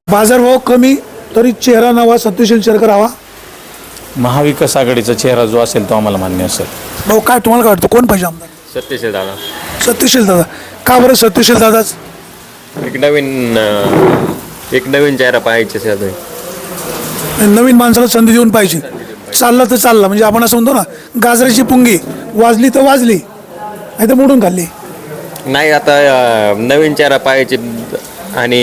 बाजारभाव कमी तरी चेहरा नवा सत्यशील शेरकर हवा. महाविकास आघाडीचा चेहरा जो असेल तो आम्हाला मान्य असेल. भाऊ काय तुम्हाला काय वाटतं कोण पाहिजे आमदार? सत्यशील दादा. सत्यशील दादा. का बरं सत्यशील दादाच? एक नवीन चेहरा पाहायचे सर. नवीन माणसाला संधी देऊन पाहिजे. चालला तर चालला म्हणजे आपण असं म्हणतो ना गाजराची पुंगी वाजली तर वाजली नाही तर मोडून खाल्ली. नाही आता नवीन चेहरा पाहायचे आणि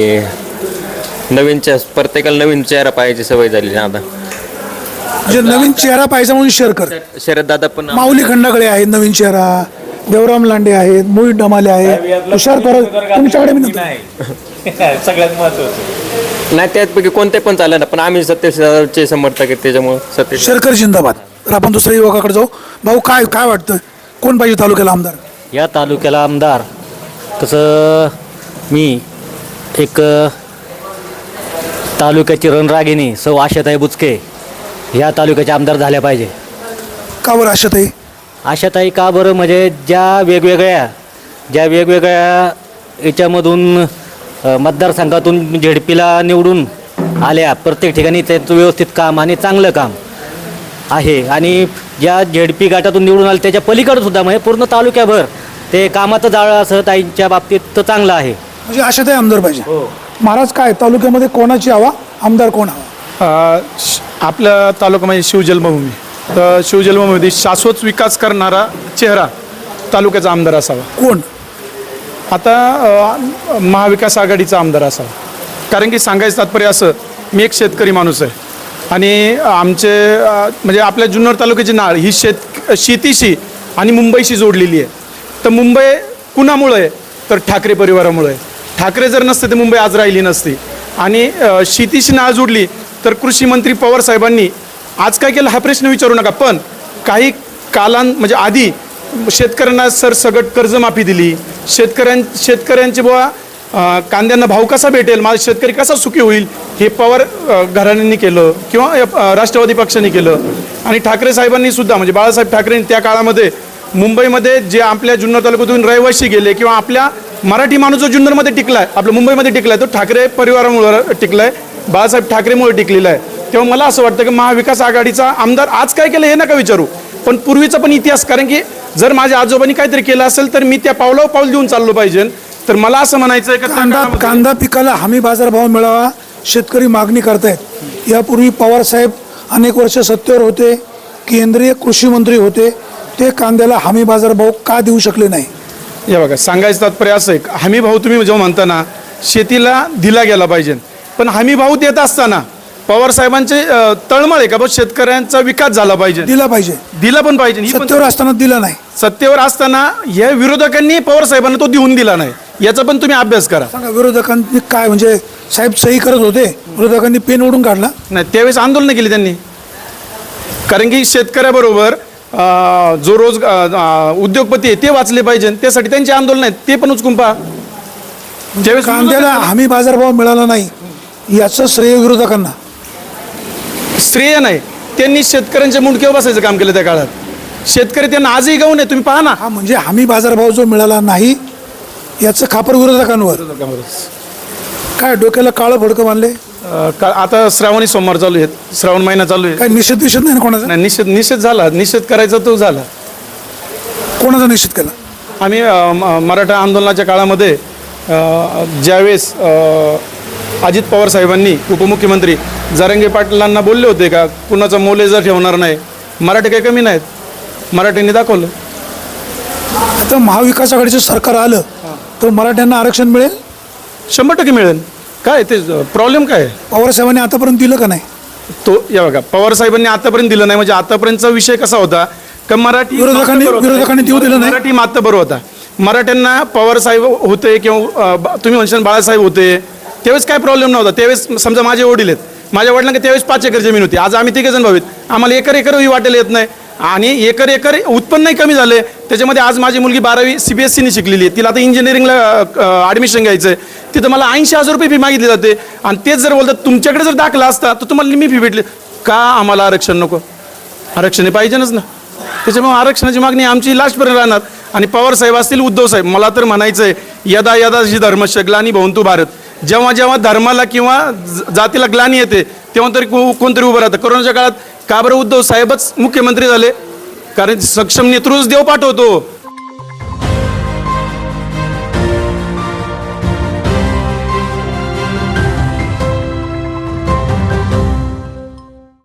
प्रत्येकाला नवीन चेहरा पाहायची सवय झाली ना आता. म्हणजे नवीन चेहरा पाहिजे म्हणून शेरकर. शरद दादा पण माऊली खंडागळे आहेत नवीन चेहरा, देवराम लांडे आहेत, मोहित डमाले आहेत, तुषार परब तुमच्याकडे मी सगळ्यात महत्वाचं नाही त्यापैकी कोणते पण चालले ना, पण आम्ही सत्यशील दादाचे समर्थक आहेत त्याच्यामुळे सत्यशील शेरकर जिंदाबाद. तर आपण दुसऱ्या युवकाकडे जाऊ. भाऊ काय काय वाटतं कोण पाहिजे तालुक्याला आमदार? या तालुक्याला आमदार तसं मी एक तालुक्याची रणरागिणी सौ आशाताई बुचके ह्या तालुक्याचे आमदार झाल्या पाहिजे. का बरं आशाताई? आशाताई का बरं म्हणजे ज्या वेगवेगळ्या याच्यामधून मतदारसंघातून झेडपीला निवडून आल्या, प्रत्येक ठिकाणी त्यांचं व्यवस्थित काम आणि चांगलं काम आहे आणि ज्या झेडपी गटातून निवडून आले त्याच्या पलीकडे सुद्धा म्हणजे पूर्ण तालुक्याभर ते कामाचं जाळं असं ताईंच्या बाबतीत तर चांगलं आहे. म्हणजे आशाताई आमदार पाहिजे. महाराज काय तालुक्यामध्ये कोणाची हवा, आमदार कोण हवा? आपल्या तालुक्यामध्ये शिवजन्मभूमी, तर शिवजन्मभूमीमध्ये शाश्वत विकास करणारा चेहरा तालुक्याचा आमदार असावा. कोण? आता महाविकास आघाडीचा आमदार असावा. कारण की सांगायचं तात्पर्य असं, मी एक शेतकरी माणूस आहे आणि आमचे म्हणजे आपल्या जुन्नर तालुक्याची नाळ ही शेतीशी आणि मुंबईशी जोडलेली आहे. तर मुंबई कुणामुळे आहे तर ठाकरे परिवारामुळे आहे. ठाकरे जर नसते तर मुंबई आज राहिली नसती. आणि शेतीशी नाळ जोडली तर कृषी मंत्री पवार साहेबांनी आज काय केलं हा प्रश्न विचारू नका, पण काही म्हणजे आधी शेतकऱ्यांना सरसगट कर्जमाफी दिली. शेतकऱ्यांची बुवा कांद्यांना भाव कसा भेटेल, माझा शेतकरी कसा सुखी होईल हे पवार घराण्यांनी केलं किंवा राष्ट्रवादी पक्षाने केलं. आणि ठाकरे साहेबांनी सुद्धा म्हणजे बाळासाहेब ठाकरेंनी त्या काळामध्ये मुंबईमध्ये जे आपल्या जुन्नर तालुक्यातून रहिवासी गेले किंवा आपल्या मराठी माणूस जो जुन्नरमध्ये टिकलाय, आपल्या मुंबईमध्ये टिकलाय, तो ठाकरे परिवारामुळे टिकलाय, बाळासाहेब ठाकरेमुळे टिकलेला आहे. तेव्हा मला असं वाटतं की महाविकास आघाडीचा आमदार आज काय केलं हे नका विचारू, पण पूर्वीचा पण इतिहास, कारण की जर माझ्या आजोबांनी काहीतरी केलं असेल तर मी त्या पावलावर पाऊल देऊन चाललो पाहिजे. तर मला असं म्हणायचं आहे की कांदा पिकाला हमी बाजारभाव मिळावा शेतकरी मागणी करतायत. यापूर्वी पवार साहेब अनेक वर्ष सत्तेवर होते, केंद्रीय कृषी मंत्री होते, ते कांद्याला हमी बाजारभाव का देऊ शकले नाही? हे बघा सांगायचं तात्पर्य असं आहे, हमी भाव तुम्ही जेव्हा म्हणता ना शेतीला दिला गेला पाहिजे, पण हमी भाव देत असताना पवार साहेबांचे तळमळ आहे का बस शेतकऱ्यांचा विकास झाला पाहिजे, दिला पाहिजे, दिला पण पाहिजे. सत्तेवर असताना दिला नाही. सत्तेवर असताना या विरोधकांनी पवार साहेबांना तो देऊन दिला नाही, याचा पण तुम्ही अभ्यास करा. सांगा विरोधकांनी काय म्हणजे साहेब सही करत होते, विरोधकांनी पेन ओढून काढला नाही, त्यावेळेस आंदोलन केली त्यांनी. कारण की शेतकऱ्याबरोबर जो उद्योगपती आहे ते वाचले पाहिजे, त्यासाठी त्यांचे आंदोलन आहेत, ते पण उचकून पहा. ज्यावेळेस कांद्याला हमी बाजारभाव मिळाला नाही याचं श्रेय विरोधकांना. श्रेय नाही, त्यांनी शेतकऱ्यांच्या मुंडक्यावर बसायचं काम केलं त्या काळात. शेतकरी त्यांना आजही गाऊ नये, तुम्ही पहा ना. हा म्हणजे हमी बाजारभाव जो मिळाला नाही याचं खापर विरोधकांवर. काय डोक्याला काळं भडकं बांधले? आता श्रावणी सोमवार चालू आहेत, श्रावण महिना चालू आहे. काय निषेध विषेध नाही ना कोणाचा? नाही, निषेध झाला, निषेध करायचा तो झाला. कोणाचा निषेध केला? आम्ही मराठा आंदोलनाच्या काळामध्ये ज्यावेळेस अजित पवार साहेबांनी उपमुख्यमंत्री जरांगे पाटलांना बोलले होते का कुणाचा मोलेजा ठेवणार नाही, मराठी काही कमी नाहीत, मराठ्यांनी दाखवलं. आता महाविकास आघाडीचं सरकार आलं तर मराठ्यांना आरक्षण मिळेल? 100% मिळेल. काय ते प्रॉब्लेम काय? पवार साहेबांनी आतापर्यंत दिलं का नाही? तो या बघा पवार साहेबांनी आतापर्यंत दिलं नाही, म्हणजे आतापर्यंतचा विषय कसा होता का मराठी विरोधकांनी देऊ दिलं नाही. मराठी मात्र बरोबर होता. मराठ्यांना पवार साहेब होते किंवा तुम्ही म्हणशाल बाळासाहेब होते त्यावेळेस काय प्रॉब्लेम नव्हता. त्यावेळेस समजा माझे वडील आहेत, माझ्या वडिलांना त्यावेळेस 5 एकर जमीन होती, आज आम्ही 3 जण भाऊ आहेत, आम्हाला एकर वाटेल येत नाही आणि एकर उत्पन्नही कमी झाले. त्याच्यामध्ये आज माझी मुलगी 12वी CBSEने शिकलेली आहे, तिला आता इंजिनिअरिंगला ॲडमिशन घ्यायचं आहे, तिथं मला 80,000 रुपये फी मागितली जाते. आणि तेच जर बोलतात तुमच्याकडे जर दाखला असता तर तुम्हाला मी फी भेटली का? आम्हाला आरक्षण नको, आरक्षण पाहिजेच ना. त्याच्यामुळे आरक्षणाची मागणी आमची लास्टपर्यंत राहणार. आणि पवार साहेब असतील, उद्धव साहेब, मला तर म्हणायचं आहे यदा यदा जी धर्मशग्लानी भवंतु भारत, जेव्हा जेव्हा धर्माला किंवा जातीला ग्लानी येते तेव्हा तरी कोणतरी उभं राहतं. कोरोनाच्या काळात का बरं उद्धव साहेबच मुख्यमंत्री झाले? कारण सक्षम नेतृत्वच देव पाठवतो.